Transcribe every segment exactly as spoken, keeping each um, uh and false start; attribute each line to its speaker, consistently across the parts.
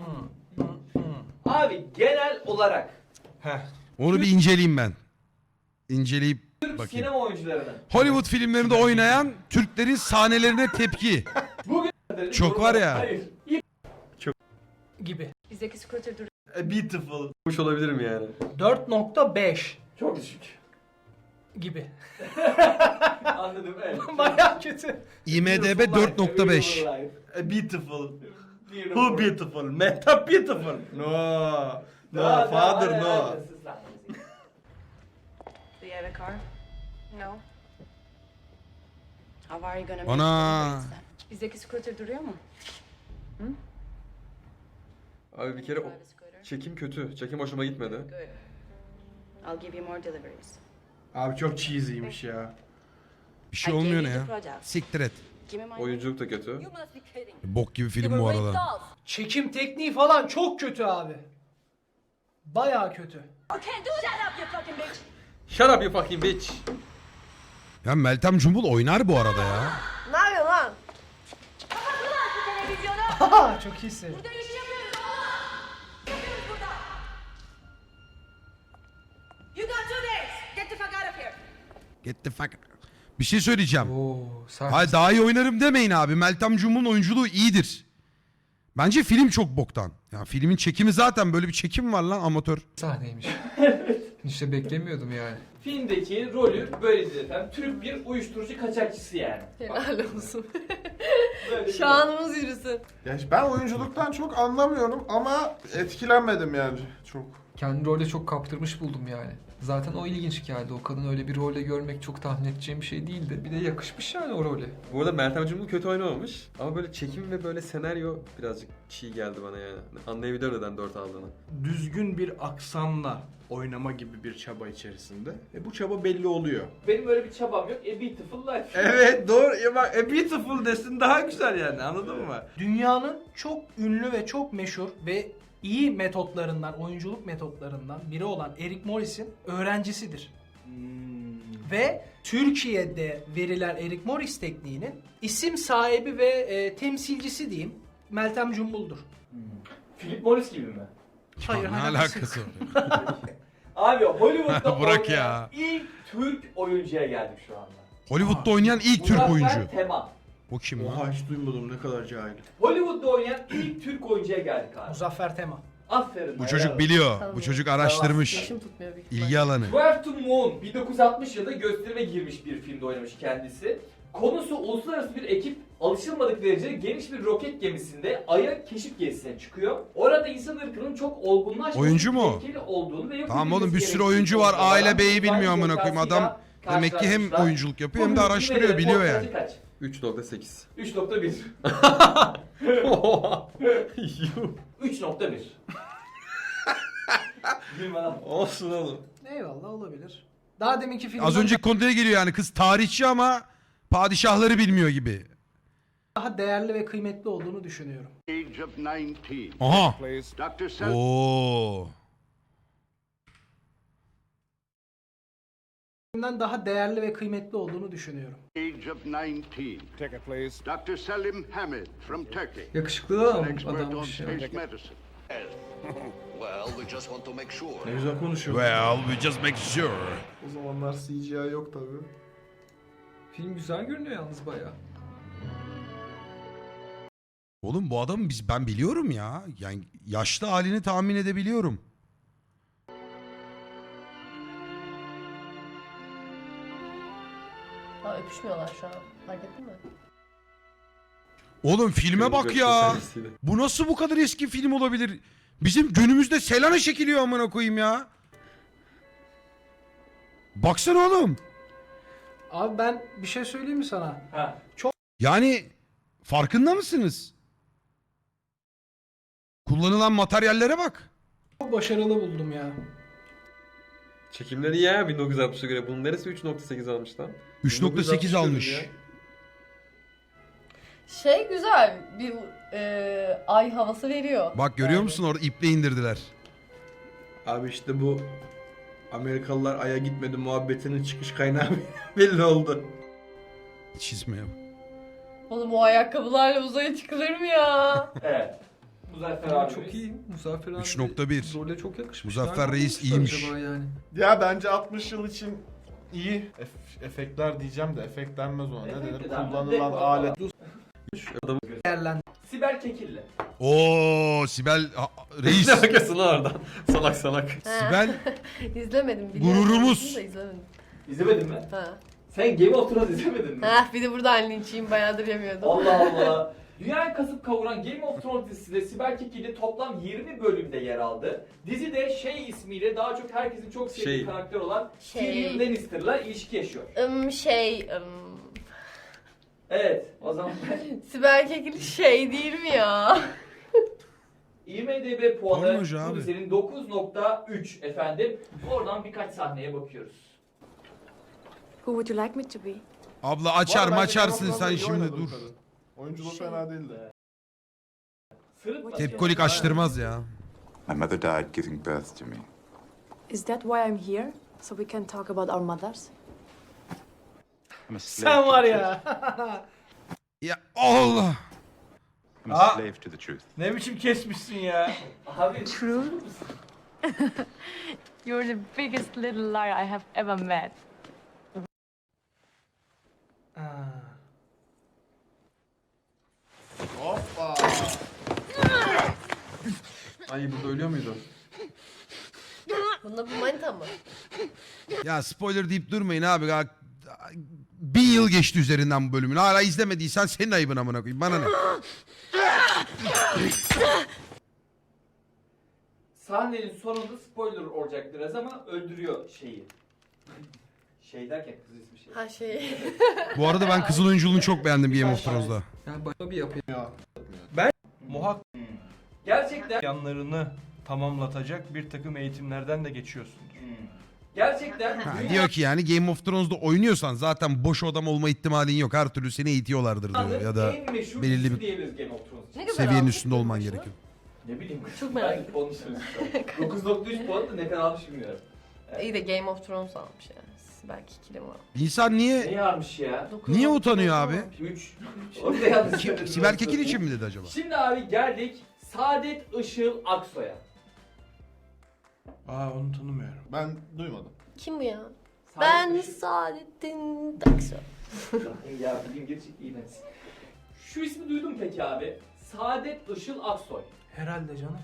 Speaker 1: Abi genel olarak
Speaker 2: Heh.
Speaker 3: Onu bir inceleyeyim ben. İnceleyip
Speaker 1: Türk
Speaker 3: bakayım.
Speaker 1: sinema oyuncularının
Speaker 3: Hollywood filmlerinde oynayan Türklerin sahnelerine tepki.
Speaker 1: bugün
Speaker 3: Çok var ya.
Speaker 1: Hayır.
Speaker 4: Gibi.
Speaker 5: Bizdeki scooter duruyor.
Speaker 2: A beautiful. Hoş olabilirim yani.
Speaker 4: dört nokta beş
Speaker 1: Çok düşük.
Speaker 4: gibi.
Speaker 1: Anladım evet.
Speaker 4: Baya kötü.
Speaker 3: IMDB dört nokta beş.
Speaker 2: A beautiful.
Speaker 1: Bir
Speaker 2: Who
Speaker 1: numara.
Speaker 2: beautiful? Meta beautiful. No. No,
Speaker 1: Daha-
Speaker 2: father
Speaker 1: daha-
Speaker 2: no.
Speaker 1: daha- daha-
Speaker 5: Do you have a car? No. How are you gonna make
Speaker 3: Ana.
Speaker 5: it? Bizdeki scooter duruyor mu?
Speaker 6: Abi bir kere o
Speaker 5: Private scooter.
Speaker 6: çekim kötü. Çekim hoşuma gitmedi.
Speaker 5: Good. I'll give you more deliveries.
Speaker 2: Abi çok cheesy'ymiş ya.
Speaker 3: Bir şey olmuyor ne
Speaker 5: I gave
Speaker 3: ya?
Speaker 5: you the project.
Speaker 3: Siktir et.
Speaker 5: Give me my
Speaker 6: Oyunculuk da kötü.
Speaker 5: You must be kidding.
Speaker 3: Bok gibi film bu arada.
Speaker 4: Çekim tekniği falan çok kötü abi. Baya kötü.
Speaker 5: You can't do that up, you fucking bitch.
Speaker 6: Shut up you fucking bitch.
Speaker 3: Ya Meltem Cumbul oynar bu arada ya.
Speaker 5: Ne yapıyorsun lan?
Speaker 4: Haha çok iyisin.
Speaker 5: Burada iş yapıyoruz oğlum. Yapıyoruz burada. You got two days. Get the fuck out of here.
Speaker 3: Get the fuck. Bir şey söyleyeceğim.
Speaker 7: Oo, sert.
Speaker 3: Hayır daha iyi oynarım demeyin abi. Meltem Cumbul'un oyunculuğu iyidir. Bence film çok boktan. Ya filmin çekimi zaten böyle bir çekim var lan amatör.
Speaker 7: sahneymiş. İşte beklemiyordum yani.
Speaker 1: Filmdeki rolü böyledir efendim. Türk bir uyuşturucu kaçakçısı yani.
Speaker 8: Helal olsun.
Speaker 1: Böyle bir-
Speaker 8: Şanımız yürüsün.
Speaker 9: Ya ben oyunculuktan çok anlamıyorum ama etkilenmedim yani çok.
Speaker 7: Kendi rolde çok kaptırmış buldum yani. Zaten o ilginç geldi. O kadını öyle bir rolde görmek çok tahmin edeceğim bir şey değildi. Bir de yakışmış yani o role.
Speaker 6: Bu arada Meltem Cumbul kötü oynamamış. Ama böyle çekim ve böyle senaryo birazcık çiğ geldi bana yani. Anlayabiliyorum neden dört aldığını.
Speaker 2: Düzgün bir aksanla oynama gibi bir çaba içerisinde. E bu çaba belli oluyor.
Speaker 1: Benim öyle bir çabam yok. A Beautiful Life.
Speaker 2: Evet doğru. Ya bak A beautiful desin daha güzel yani anladın mı?
Speaker 4: Dünyanın çok ünlü ve çok meşhur ve iyi metotlarından, oyunculuk metotlarından biri olan Eric Morris'in öğrencisidir. Ve Türkiye'de verilen Eric Morris tekniğinin isim sahibi ve e, temsilcisi diyeyim Meltem Cumbul'dur.
Speaker 1: Philip Morris gibi mi?
Speaker 4: Hayır,
Speaker 3: Ya ne
Speaker 4: alakası
Speaker 3: alakası
Speaker 4: yok.
Speaker 3: var?
Speaker 1: Abi Hollywood'da
Speaker 3: Bırak
Speaker 1: oynayan
Speaker 3: ya.
Speaker 1: ilk Türk oyuncuya geldik şu anda.
Speaker 3: Hollywood'da oynayan ilk Türk
Speaker 1: Muzaffer
Speaker 3: oyuncu.
Speaker 1: Tema.
Speaker 3: O kim lan?
Speaker 2: Oha hiç duymadım ne kadar cahil.
Speaker 1: Hollywood'da oynayan ilk Türk oyuncuya geldik abi.
Speaker 4: Muzaffer Tema.
Speaker 1: Aferin.
Speaker 3: Bu çocuk biliyor. Bu çocuk araştırmış.
Speaker 8: Yaşım tutmuyor büyük ihtimalle.
Speaker 3: İlgi alanı.
Speaker 1: Twelve to Moon bin dokuz yüz altmış yılında gösterime girmiş bir filmde oynamış kendisi. Konusu uluslararası bir ekip alışılmadık derecede geniş bir roket gemisinde Ay'a keşif gezisine çıkıyor. Orada insan ırkının çok olgunlaşması
Speaker 3: Oyuncu mu?
Speaker 1: tehlikeli olduğunu ve yok
Speaker 3: Tamam
Speaker 1: edilmesi
Speaker 3: oğlum bir sürü
Speaker 1: gerektiğini
Speaker 3: oyuncu var.
Speaker 1: konuşuyorlar.
Speaker 3: Aile beyi bilmiyor
Speaker 1: İnsan
Speaker 3: amına koyayım. Adam
Speaker 1: zekasıyla
Speaker 3: demek ki hem
Speaker 1: karşılaşmışlar.
Speaker 3: oyunculuk yapıyor
Speaker 1: Bu
Speaker 3: hem de
Speaker 1: filmin
Speaker 3: araştırıyor,
Speaker 1: filmleri
Speaker 3: biliyor
Speaker 1: ortalama
Speaker 3: yani.
Speaker 1: kaç?
Speaker 6: üç nokta sekiz.
Speaker 1: üç nokta bir.
Speaker 6: Yuh.
Speaker 1: üç nokta bir. Gülme lan.
Speaker 2: Olsun oğlum.
Speaker 4: Eyvallah olabilir. Daha deminki filmden
Speaker 3: Az önceki konuya geliyor yani. Kız tarihçi ama padişahları bilmiyor gibi.
Speaker 4: daha değerli ve kıymetli olduğunu düşünüyorum.
Speaker 10: Age of nineteen.
Speaker 3: Aha.
Speaker 10: Doctor Sel-
Speaker 3: Oo.
Speaker 4: Filmden daha değerli ve kıymetli olduğunu düşünüyorum.
Speaker 10: Age of nineteen. Doctor Selim Hamid from Turkey.
Speaker 7: Yakışıklı
Speaker 10: An
Speaker 7: adam,
Speaker 10: expert on
Speaker 7: adammış ya.
Speaker 10: space medicine.
Speaker 11: Well, we just want to make sure.
Speaker 2: Ne güzel konuşuyor.
Speaker 3: Well, we just make sure.
Speaker 9: O zamanlar C G I yok tabii.
Speaker 7: Film güzel görünüyor yalnız bayağı.
Speaker 3: Oğlum bu adamı biz ben biliyorum ya. Yani yaşlı halini tahmin edebiliyorum.
Speaker 8: Ha öpüşmüyorlar şu an. Fark ettin mi?
Speaker 3: Oğlum filme bak ya. Bu nasıl bu kadar eski film olabilir? Bizim günümüzde Selena çekiliyor amına koyayım ya. Baksana oğlum.
Speaker 4: Abi ben bir şey söyleyeyim mi sana?
Speaker 1: Ha.
Speaker 3: Yani farkında mısınız? Kullanılan materyallere bak.
Speaker 4: Çok başarılı buldum ya.
Speaker 6: Çekimleri iyi ya bin dokuz yüz altmışa göre. Bunun neresi üç nokta sekiz almış lan?
Speaker 3: üç nokta sekiz almış.
Speaker 6: Ya.
Speaker 8: Şey güzel. Bir e, ay havası veriyor.
Speaker 3: Bak görüyor
Speaker 8: Yani.
Speaker 3: musun orada iple indirdiler.
Speaker 2: Abi işte bu Amerikalılar Ay'a gitmedi muhabbetinin çıkış kaynağı belli oldu.
Speaker 3: Çizmeye.
Speaker 8: Oğlum o ayakkabılarla uzaya çıkılır mı ya?
Speaker 1: Evet. Muzaffer
Speaker 7: Ama
Speaker 1: abimiz.
Speaker 7: çok iyi. Muzaffer abi
Speaker 3: üç nokta bir.
Speaker 7: role çok yakışmış.
Speaker 3: Muzaffer
Speaker 7: Nereden
Speaker 3: Reis
Speaker 7: bulmuşlar
Speaker 3: iyiymiş.
Speaker 7: acaba Yani.
Speaker 9: Ya bence altmış yıl için iyi. Ef- efektler diyeceğim de efekt denmez ona. Ne
Speaker 1: Efekt
Speaker 9: denir?
Speaker 1: de denmez.
Speaker 9: Kullanılan
Speaker 1: Dekor
Speaker 9: alet.
Speaker 4: Değerlendir.
Speaker 1: Sibel Kekilli.
Speaker 3: Oo Sibel a- reis.
Speaker 6: Ne bakıyorsun lan oradan? Salak salak.
Speaker 3: Sibel
Speaker 8: İzlemedim. biliyorum.
Speaker 3: Gururumuz.
Speaker 8: Da izlemedim.
Speaker 1: İzlemedin mi?
Speaker 8: Ha.
Speaker 1: Sen Game of Thrones izlemedin mi?
Speaker 8: Ha, bir de buradan linçiyim, bayağıdır yemiyordum.
Speaker 1: Allah Allah. Dünyayı kasıp kavuran Game of Thrones dizisinde Sibel Kekilli toplam yirmi bölümde yer aldı. Dizide Şey ismiyle daha çok herkesin çok sevdiği
Speaker 6: Şey.
Speaker 1: karakter olan
Speaker 8: Şey.
Speaker 1: Tyrion Lannister'la ilişki yaşıyor.
Speaker 8: Im, şey, ım,
Speaker 1: Evet, o zaman
Speaker 8: Sibel Kekilli şey değil mi ya?
Speaker 1: IMDb puanı
Speaker 3: Pornocu
Speaker 1: bu
Speaker 3: abi.
Speaker 1: dizinin dokuz nokta üç efendim. Oradan birkaç sahneye bakıyoruz.
Speaker 5: Who would you like me to be?
Speaker 3: abla açar
Speaker 9: Bu arada bence
Speaker 3: maçarsın
Speaker 9: Game of
Speaker 3: sen
Speaker 9: Thrones'da iyi
Speaker 3: şimdi
Speaker 9: oynadı bu
Speaker 3: dur.
Speaker 9: kadın. Oyunculuğu fena değildi.
Speaker 1: Sırıtma.
Speaker 3: Tepkolik açtırmaz ya.
Speaker 10: My mother died giving birth to me.
Speaker 5: Is that why I'm here? So we can talk about our mothers?
Speaker 10: I'm a slave
Speaker 4: Sen
Speaker 10: to
Speaker 4: var
Speaker 10: the
Speaker 4: ya.
Speaker 3: Ya Allah.
Speaker 10: truth. I'm a
Speaker 9: Aa.
Speaker 10: slave to the truth.
Speaker 9: Ne biçim kesmişsin ya?
Speaker 1: Abi
Speaker 5: You're the biggest little liar I have ever met.
Speaker 4: Ha.
Speaker 9: Hoppa.
Speaker 6: Ay burada ölüyor muydu?
Speaker 8: Bunda bu manita mı?
Speaker 3: Ya spoiler deyip durmayın abi. Ya, bin yıl geçti üzerinden bu bölümün. Hala izlemediysen senin ayıbın amına koyayım. Bana ne?
Speaker 1: sahnenin sonunda spoiler olacak biraz ama öldürüyor şeyi. Şey derken kız ismi şey.
Speaker 8: Ha şey.
Speaker 3: Bu arada ben kızıl oyunculuğunu çok beğendim Game of Thrones'da.
Speaker 7: Yani başka bir yapı.
Speaker 9: Muhakkak
Speaker 1: Hmm. Gerçekten
Speaker 9: yanlarını tamamlatacak bir takım eğitimlerden de geçiyorsundur.
Speaker 1: Hmm. Gerçekten
Speaker 3: Ha,
Speaker 1: dünya-
Speaker 3: diyor ki yani Game of Thrones'da oynuyorsan zaten boş adam olma ihtimalin yok. Her türlü seni eğitiyorlardır diyor. Ya da
Speaker 1: en meşhur
Speaker 3: belirli
Speaker 1: dizisi
Speaker 3: bir
Speaker 1: diyebiliriz Game of Thrones için.
Speaker 8: Ne kadar
Speaker 3: seviyenin
Speaker 8: almış
Speaker 3: üstünde olman
Speaker 8: başına?
Speaker 3: gerekiyor.
Speaker 1: Ne bileyim.
Speaker 8: Çok merak
Speaker 1: Ben puanı söyleyeyim. dokuz nokta üç puan da ne kadar almış bilmiyorum.
Speaker 8: İyi de Game of Thrones almış yani. Sibel Kekilli mi almış?
Speaker 3: İnsan niye
Speaker 1: Ne yarmış ya?
Speaker 8: Dokuz
Speaker 3: niye
Speaker 8: nokta
Speaker 3: utanıyor
Speaker 8: dokuz
Speaker 3: abi?
Speaker 8: almış.
Speaker 1: üç. Orada yanlış
Speaker 3: Ki-
Speaker 1: söyledim.
Speaker 3: Sibel Kekil için mi dedi acaba?
Speaker 1: Şimdi abi geldik Saadet Işıl Aksoy'a.
Speaker 9: Aa onu tanımıyorum. Ben duymadım.
Speaker 8: Kim bu ya?
Speaker 1: Saadet
Speaker 8: Ben
Speaker 1: Işıl-
Speaker 8: Saadettin Taksoy.
Speaker 1: Ya bilim gerçek iğrenç. Şu ismi duydun mu peki abi? Saadet Işıl Aksoy.
Speaker 4: Herhalde canım.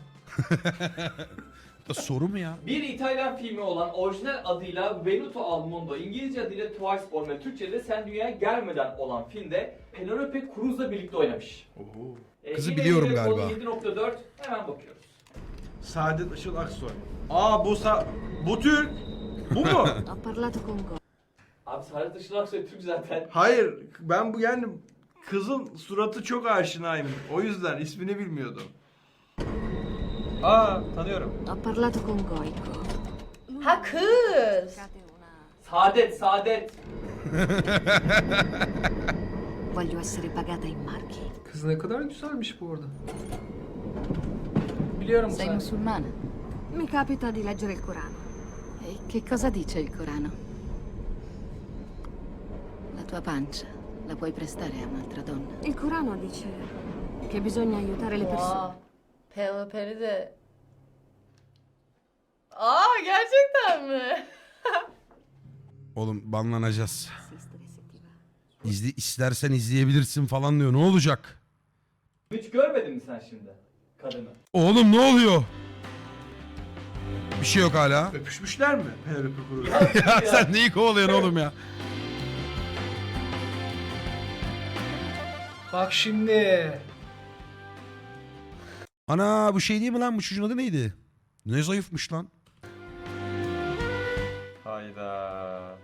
Speaker 3: Da soru mu ya?
Speaker 1: Bir İtalyan filmi olan orijinal adıyla Venuto al Mondo, İngilizce adıyla Twice Born ve Türkçe'de Sen Dünyaya Gelmeden olan filmde Penelope Cruz'la birlikte oynamış.
Speaker 9: Oho.
Speaker 1: Ee,
Speaker 3: Kızı
Speaker 1: yine
Speaker 3: biliyorum
Speaker 1: yine
Speaker 3: galiba.
Speaker 1: konu yedi nokta dört hemen bakıyoruz.
Speaker 9: Saadet Işıl Aksoy. Aa bu sa... Bu Türk. Bu mu?
Speaker 5: Ho parlato con Go.
Speaker 1: Abi Saadet Işıl Aksoy Türk zaten.
Speaker 9: Hayır. Ben bu yani kızın suratı çok aşinayım. O yüzden ismini bilmiyordum. Aa tanıyorum.
Speaker 5: Ho parlato con Goico.
Speaker 8: Ha kız.
Speaker 1: Saadet, Saadet.
Speaker 5: Voglio essere pagata in marchi.
Speaker 7: Kız ne kadar güzelmiş bu arada.
Speaker 4: Biliyorum
Speaker 5: Sei
Speaker 4: sen.
Speaker 5: musulmana? Mi capita di leggere il Corano. E che cosa dice il Corano? La tua pancia la puoi prestare a un'altra donna. Il Corano dice che bisogna aiutare le persone.
Speaker 8: Oha. Penelope'li de... Aa gerçekten mi?
Speaker 3: Oğlum banlanacağız. İzle, istersen izleyebilirsin falan diyor. Ne olacak?
Speaker 1: Hiç görmedin mi sen şimdi kadını?
Speaker 3: Oğlum ne oluyor? Bir şey yok hala.
Speaker 9: Öpüşmüşler mi Penelope Cruz?
Speaker 3: Ya sen neyi kovalıyorsun oğlum ya?
Speaker 4: Bak şimdi.
Speaker 3: Ana bu şey değil mi lan? Bu çocuğun adı neydi? Ne zayıfmış lan.
Speaker 6: Hayda.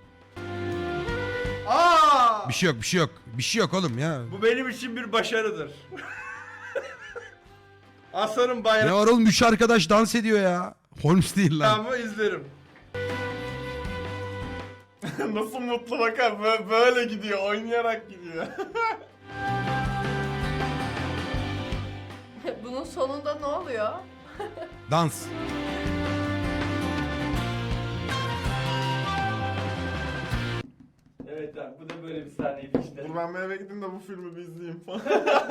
Speaker 9: Aa!
Speaker 3: Bir şey yok bir şey yok. Bir şey yok oğlum ya.
Speaker 9: Bu benim için bir başarıdır. Aslanın bayrağı.
Speaker 3: Ne var oğlum? Üç arkadaş dans ediyor ya. Holmes değil lan.
Speaker 9: Ama izlerim. Nasıl mutlu bakar Bö- böyle gidiyor oynayarak gidiyor.
Speaker 8: Bunun sonunda ne oluyor?
Speaker 3: Dans.
Speaker 1: Evet Tamam, bu da böyle bir sahneydi işte.
Speaker 9: Dur ben bir eve gideyim de bu filmi bir izleyeyim falan.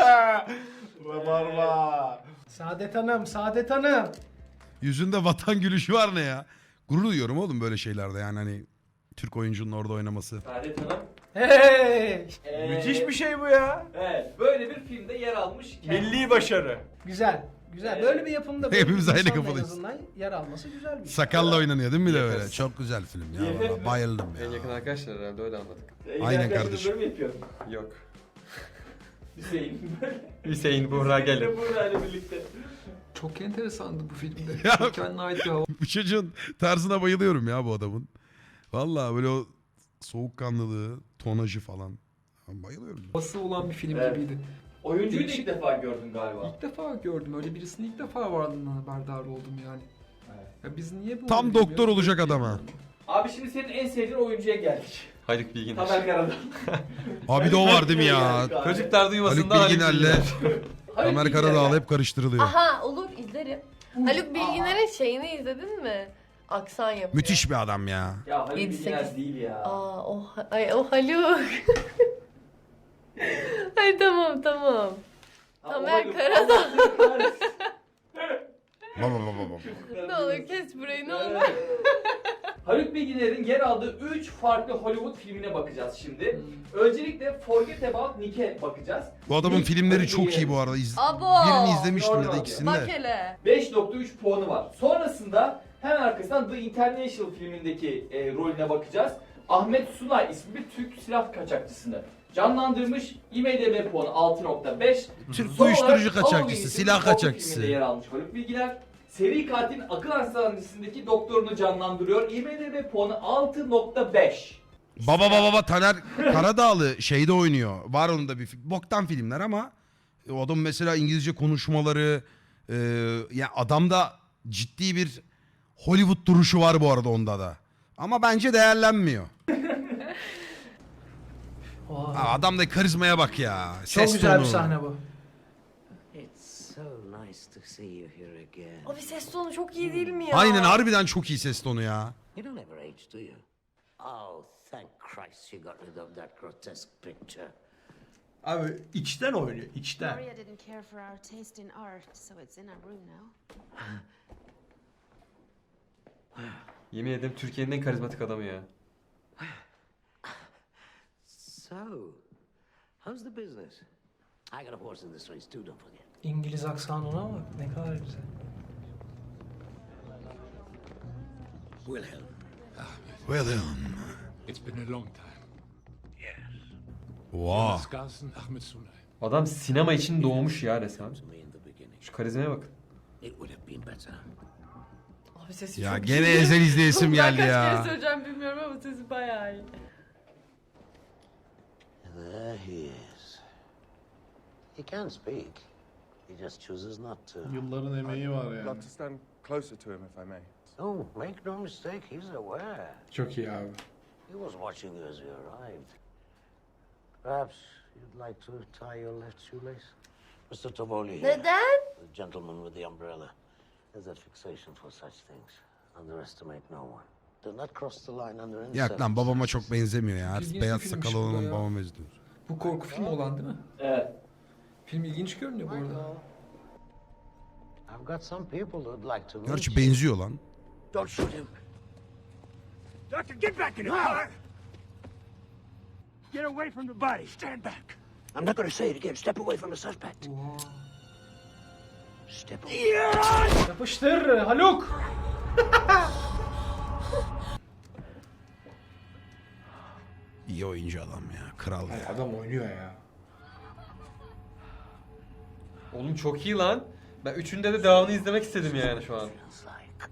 Speaker 9: Rabarba.
Speaker 4: Saadet Hanım, Saadet Hanım.
Speaker 3: Yüzünde vatan gülüşü var ne ya? Gurur duyuyorum oğlum böyle şeylerde yani hani Türk oyuncunun orada oynaması.
Speaker 1: Saadet Hanım.
Speaker 4: Hey!
Speaker 1: Ee,
Speaker 9: Müthiş bir şey bu ya.
Speaker 1: Evet, böyle bir filmde yer almış. kendisi.
Speaker 9: Milli başarı.
Speaker 4: Güzel. Güzel.
Speaker 1: Evet.
Speaker 4: Böyle bir yapımda böyle
Speaker 3: Hepimiz
Speaker 4: bir
Speaker 3: aynı
Speaker 4: insanla en
Speaker 3: kafadayız.
Speaker 4: azından yer alması güzel bir şey.
Speaker 3: Sakalla oynanıyor değil mi bir de
Speaker 6: Yes.
Speaker 3: böyle? Çok güzel film ya.
Speaker 1: Yes.
Speaker 3: Vallahi bayıldım
Speaker 6: En yakın
Speaker 3: ya.
Speaker 6: arkadaşlar herhalde öyle anladık.
Speaker 1: Ee,
Speaker 3: Aynen
Speaker 1: arkadaşlar
Speaker 3: kardeşim.
Speaker 1: Böyle mi yapıyordun?
Speaker 6: Yok.
Speaker 1: Hüseyin.
Speaker 6: Hüseyin Buğra gelin.
Speaker 1: Buğra ile birlikte.
Speaker 7: Çok enteresandı bu filmde.
Speaker 3: Ya-
Speaker 7: Çok kendine ait bir hava.
Speaker 3: Bu çocuğun tarzına bayılıyorum ya bu adamın. Vallahi böyle o soğukkanlılığı, tonajı falan. Ben bayılıyorum.
Speaker 7: Havası olan bir film
Speaker 1: Evet.
Speaker 7: gibiydi.
Speaker 1: Oyuncuyu da
Speaker 7: Değişik.
Speaker 1: ilk defa gördün galiba.
Speaker 7: İlk defa gördüm. Öyle birisini ilk defa varlığından haberdar oldum yani.
Speaker 1: Evet.
Speaker 7: Ya biz niye bu
Speaker 3: Tam
Speaker 7: oyunu
Speaker 3: doktor
Speaker 7: bilmiyoruz?
Speaker 3: olacak adam ha.
Speaker 1: Abi şimdi senin en sevdiğin oyuncuya geldik.
Speaker 6: Haluk Bilginer.
Speaker 1: Tamer Karadağ.
Speaker 3: Abi de o var değil mi ya?
Speaker 6: Çocuklar duymasın
Speaker 3: Haluk
Speaker 6: da Haluk
Speaker 3: Bilginer'le
Speaker 6: Bilginer.
Speaker 3: Tamer Karadağ'la hep karıştırılıyor.
Speaker 8: Aha olur izlerim. Haluk Bilginer'in şeyini izledin mi? Aksan yapıyor.
Speaker 3: Müthiş bir adam ya.
Speaker 1: Ya Haluk
Speaker 8: Yedi,
Speaker 1: Bilginer
Speaker 8: sekiz.
Speaker 1: değil ya.
Speaker 8: Aa o, ay, o Haluk. Ay tamam tamam.
Speaker 1: Ha,
Speaker 8: Tamer
Speaker 1: o Haluk.
Speaker 8: Karadağ.
Speaker 1: Allah kahretsin.
Speaker 3: Baba baba baba.
Speaker 8: Ne olur kes burayı ne olur.
Speaker 1: Evet. Haluk Bilginer'in yer aldığı üç farklı Hollywood filmine bakacağız şimdi. Öncelikle Forget About Nick'e bakacağız.
Speaker 3: Bu adamın
Speaker 1: Nick,
Speaker 3: filmleri
Speaker 1: Haluk
Speaker 3: çok iyi
Speaker 1: Bilginer'in
Speaker 3: bu arada. İz...
Speaker 8: Abo.
Speaker 3: Birini izlemiştim ya da
Speaker 1: Normal.
Speaker 3: ikisini
Speaker 8: Bak
Speaker 3: de.
Speaker 8: hele.
Speaker 1: beş nokta üç puanı var. Sonrasında hemen arkasından The International filmindeki e, rolüne bakacağız. Ahmet Sunay ismi bir Türk silah kaçakçısını canlandırmış. I M D B puanı altı nokta beş.
Speaker 3: Türk
Speaker 1: Son olarak
Speaker 3: uyuşturucu
Speaker 1: Halloween
Speaker 3: kaçakçısı,
Speaker 1: isimli
Speaker 3: silah
Speaker 1: korku
Speaker 3: kaçakçısı.
Speaker 1: filminde yer almış Haluk Bilginer. Seri katilin akıl hastanesindeki doktorunu canlandırıyor. I M D B puanı altı nokta beş.
Speaker 3: Baba baba baba Taner Karadağlı şeyde oynuyor. Var onun da bir film. Boktan filmler ama o adam mesela İngilizce konuşmaları e, ya adamda ciddi bir Hollywood duruşu var bu arada onda da. Ama bence değerlenmiyor.
Speaker 4: Oha.
Speaker 3: Ha, adamda karizmaya bak ya.
Speaker 4: Çok
Speaker 3: Ses
Speaker 4: güzel
Speaker 3: tonu.
Speaker 4: bir sahne bu.
Speaker 12: It's so nice to see you here again.
Speaker 8: Abi ses tonu çok iyi değil mi ya?
Speaker 3: Aynen harbiden çok iyi ses tonu ya.
Speaker 12: You don't ever age, do you? Oh, thank Christ you got rid of that grotesque picture.
Speaker 9: Abi içten oynuyor, içten.
Speaker 5: Maria didn't care for our taste in art, so it's in our room now.
Speaker 6: Yemin ederim Türkiye'nin en karizmatik adamı ya.
Speaker 12: So, how's the business? I got a horse in this race too, don't forget.
Speaker 4: İngiliz aksanına bak ne kadar güzel.
Speaker 12: Wilhelm.
Speaker 3: William.
Speaker 10: It's been a long time.
Speaker 3: Wow.
Speaker 10: Skarsen Ahmed Sunay.
Speaker 6: Adam sinema için doğmuş ya resmen.
Speaker 12: To me in the beginning.
Speaker 6: Şu karizmaya bakın.
Speaker 12: It would have been better.
Speaker 8: Abi sesi
Speaker 3: Ya
Speaker 8: çok
Speaker 3: gene
Speaker 8: iyi.
Speaker 3: ezel izleyesim
Speaker 8: Ben
Speaker 3: geldi
Speaker 8: kaç
Speaker 3: ya.
Speaker 8: kere söyleyeceğim bilmiyorum ama sesi bayağı iyi.
Speaker 12: There he is. He can speak. He just chooses not to.
Speaker 9: Yılların emeği var yani.
Speaker 10: to stand closer to him if I may.
Speaker 12: Oh, make no mistake, he's aware.
Speaker 9: Çok iyi abi.
Speaker 12: He was watching you as you arrived. Perhaps you'd like to tie your left shoelace? Mister Tovoli here,
Speaker 8: Neden?
Speaker 12: the gentleman with the umbrella, has a fixation for such things. Underestimate no one. Do not cross the line under any
Speaker 3: Yak lan babama çok benzemiyor ya.
Speaker 7: İlginç bir
Speaker 3: Beyaz
Speaker 7: filmmiş
Speaker 3: sakal
Speaker 7: bu da
Speaker 3: olan
Speaker 7: ya.
Speaker 3: babama benziyor.
Speaker 7: Bu korku filmi olan değil mi?
Speaker 1: Evet.
Speaker 7: Film ilginç görünüyor bu arada.
Speaker 12: I've got some people who'd like to meet
Speaker 3: Gerçi
Speaker 12: you.
Speaker 3: benziyor lan.
Speaker 12: Don't shoot him.
Speaker 10: Doctor, get back in the car! Get away from the body. Stand back.
Speaker 12: I'm not going to say it again. Step away from the suspect. Step away.
Speaker 4: Yapıştır Haluk.
Speaker 3: İyi oyuncu adam ya. Kral ya.
Speaker 9: Adam oynuyor ya.
Speaker 6: Oğlum çok iyi lan. Ben üçünde de devamını izlemek istedim yani şu an.
Speaker 12: Feels like.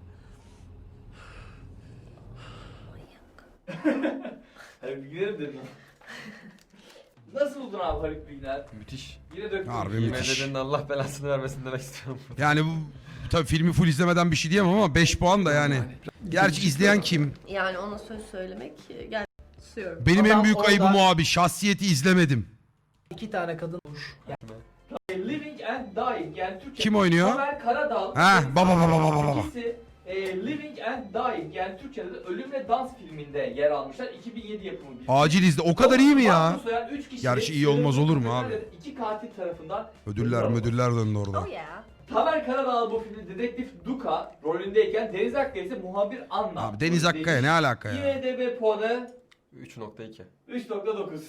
Speaker 1: Haluk Bilginer'im dedim. Nasıl buldun abi Haluk Bilginer?
Speaker 6: Müthiş.
Speaker 1: Yine döktün.
Speaker 3: Harbi
Speaker 6: Yemin
Speaker 3: müthiş.
Speaker 6: ederim Allah belasını vermesin demek istiyorum.
Speaker 3: Yani bu tabii filmi full izlemeden bir şey diyemem ama beş puan da yani. Gerçi izleyen kim?
Speaker 8: Yani ona söz söylemek gel susuyorum.
Speaker 3: Benim en
Speaker 4: Adam
Speaker 3: büyük
Speaker 4: orada-
Speaker 3: ayıbım o abi. Şahsiyeti izlemedim.
Speaker 4: İki tane kadın olmuş.
Speaker 1: Living and Dying yani Türkçe.
Speaker 3: Kim oynuyor?
Speaker 1: Tamer Karadağ.
Speaker 3: Ha, baba, baba, baba, baba.
Speaker 1: İkisi e, Living and Dying yani Türkçe'de de Ölüm ve Dans filminde yer almışlar. iki bin yedi yapımı bir film.
Speaker 3: Acil izle. O kadar iyi mi ya?
Speaker 1: Mahpus soyan üç kişi
Speaker 3: Gerçi iyi olmaz olur mu abi?
Speaker 1: İki katil tarafından
Speaker 3: Ödüller ödüller döndü orada.
Speaker 8: Oh yeah.
Speaker 1: Tamer Karadağlı bu filmde dedektif Duka rolündeyken Deniz Akkaya ise muhabir Anna.
Speaker 3: Abi Deniz Akkaya ne alaka ya?
Speaker 1: IMDb puanı
Speaker 6: üç nokta iki.
Speaker 1: üç nokta dokuz.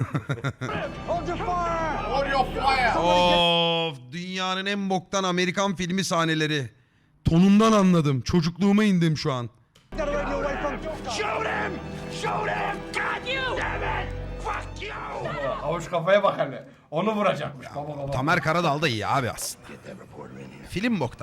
Speaker 3: Of, dünyanın en boktan Amerikan filmi sahneleri. Tonundan anladım. Çocukluğuma indim şu an.
Speaker 9: Havuç kafaya bak hele. Onu vuracakmış. Baba baba.
Speaker 3: Tamer Karadağ da iyi abi aslında. Film boktan.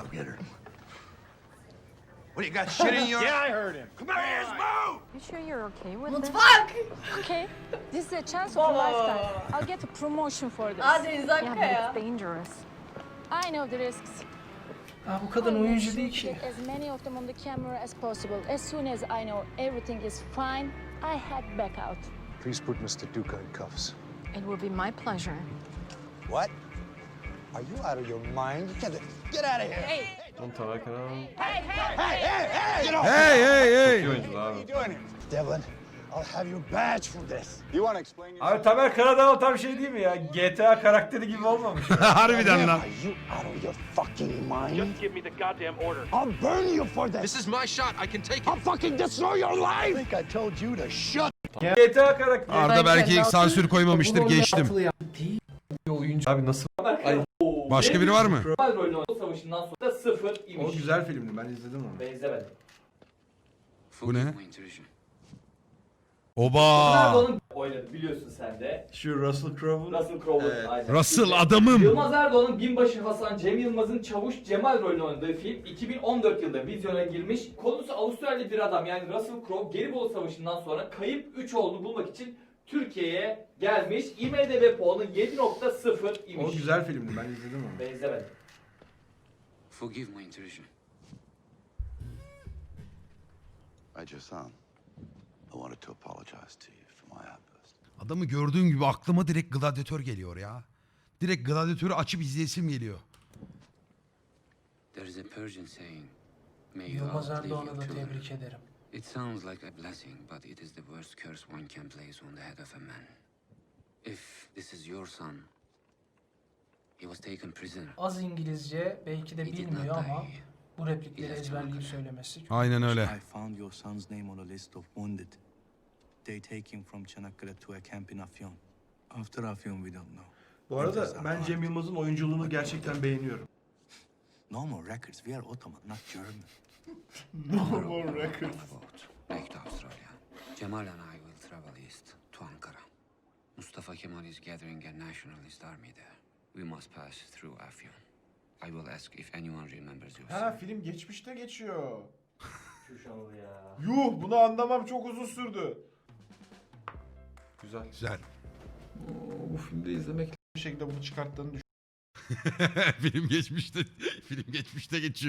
Speaker 11: What, you got shit in your...
Speaker 9: Yeah, I heard him.
Speaker 11: Come on, here's Mo!
Speaker 13: You sure you're okay with this?
Speaker 8: Mutfak!
Speaker 13: Okay, this is a chance of a lifetime. I'll get a promotion for this.
Speaker 8: Aa Deniz
Speaker 13: Yeah, but
Speaker 8: Akkaya.
Speaker 13: it's dangerous. I know the risks.
Speaker 4: Ha bu kadın oyuncu değil ki.
Speaker 13: Get as many of them on the camera as possible. As soon as I know everything is fine, I head back out.
Speaker 10: Please put Mister Duca in cuffs.
Speaker 5: It will be my pleasure.
Speaker 12: What? Are you out of your mind? Get, get out of here!
Speaker 13: Hey,
Speaker 6: Oğlum Tamer Karadağ
Speaker 12: Hey, hey, hey! Get off!
Speaker 3: Hey hey hey.
Speaker 6: iyi oyuncu abi.
Speaker 12: What are you doing here? Devlin, I'll have your badge for this.
Speaker 10: You want to explain yourself?
Speaker 9: Abi Tamer Karadağ tam şey değil mi ya? G T A karakteri gibi olmamış.
Speaker 3: Harbiden lan.
Speaker 12: Are you out of your fucking mind? Just give me the goddamn order. I'll burn you for this.
Speaker 11: This is my shot. I can take it.
Speaker 12: I'll fucking destroy your life.
Speaker 10: I think I told you to shut.
Speaker 9: G T A karakteri.
Speaker 3: Arda belki sansür koymamıştır,
Speaker 4: Bunu
Speaker 3: geçtim.
Speaker 4: altılı ya.
Speaker 7: Bir oyuncu.
Speaker 6: Abi nasıl? Ay,
Speaker 3: Başka biri var mı?
Speaker 1: Kemal rolünü oynadı savaşından sonra sıfır imiş.
Speaker 9: O güzel filmdi, ben izledim onu.
Speaker 1: Ben izlemedim.
Speaker 3: Bu ne?
Speaker 1: Yılmaz
Speaker 3: Oba.
Speaker 1: Erdoğan'ın oynadı biliyorsun sen de.
Speaker 9: Şu Russell Crowe'un.
Speaker 1: Russell Crowe'un
Speaker 9: Evet.
Speaker 1: aynen.
Speaker 3: Russell
Speaker 1: Şimdi
Speaker 3: adamım.
Speaker 1: Yılmaz Erdoğan'ın Binbaşı Hasan, Cem Yılmaz'ın Çavuş Cemal rolünü oynadığı film iki bin on dört yılında vizyona girmiş. Konusu Avustralyalı bir adam yani Russell Crowe Gelibolu Savaşı'ndan sonra kayıp üç oğlunu bulmak için Türkiye'ye gelmiş. IMDb puanı yedi nokta sıfır imiş.
Speaker 9: O güzel filmdi, ben izledim onu.
Speaker 1: Ben izlemedim.
Speaker 11: Forgive my intrusion.
Speaker 10: Major San, I wanted to apologize to you for my outburst.
Speaker 3: Adamı gördüğüm gibi aklıma direkt Gladiator geliyor ya. Direkt Gladiator'u açıp izleyesim geliyor.
Speaker 11: There is a Persian saying, May you
Speaker 4: Yılmaz
Speaker 11: outlive your
Speaker 4: Erdoğan'ı da
Speaker 11: children.
Speaker 4: tebrik ederim.
Speaker 11: It sounds like a blessing, but it is the worst curse one can place on the head of a man. If this is your son, he was taken prisoner.
Speaker 4: Az İngilizce belki de
Speaker 11: He did
Speaker 4: bilmiyor
Speaker 11: not
Speaker 4: ama
Speaker 11: die.
Speaker 4: bu replikleri ezberleyip söylemesi.
Speaker 3: Aynen öyle.
Speaker 14: I found your son's name on a list of wounded. They take him from Çanakkale to a camp in Afyon. After Afyon we don't know.
Speaker 9: Bu arada ben Cem Yılmaz'ın oyunculuğunu gerçekten beğeniyorum.
Speaker 14: No more records. We are Ottoman, not German.
Speaker 10: No more records.
Speaker 11: Back to Australia. Cemal and I will travel east to Ankara. Mustafa Kemal is gathering a nationalist army there. We must pass through Afyon. I will ask if anyone remembers your
Speaker 9: Ha
Speaker 11: son.
Speaker 9: film geçmişte geçiyor.
Speaker 1: Şu şanlı ya.
Speaker 9: Yuh, bunu anlamam çok uzun sürdü.
Speaker 6: güzel.
Speaker 3: Güzel.
Speaker 7: Oo, bu filmde izlemek
Speaker 9: Bir şekilde bunu çıkarttığını
Speaker 3: Film geçmişte film geçmişte geçiyor.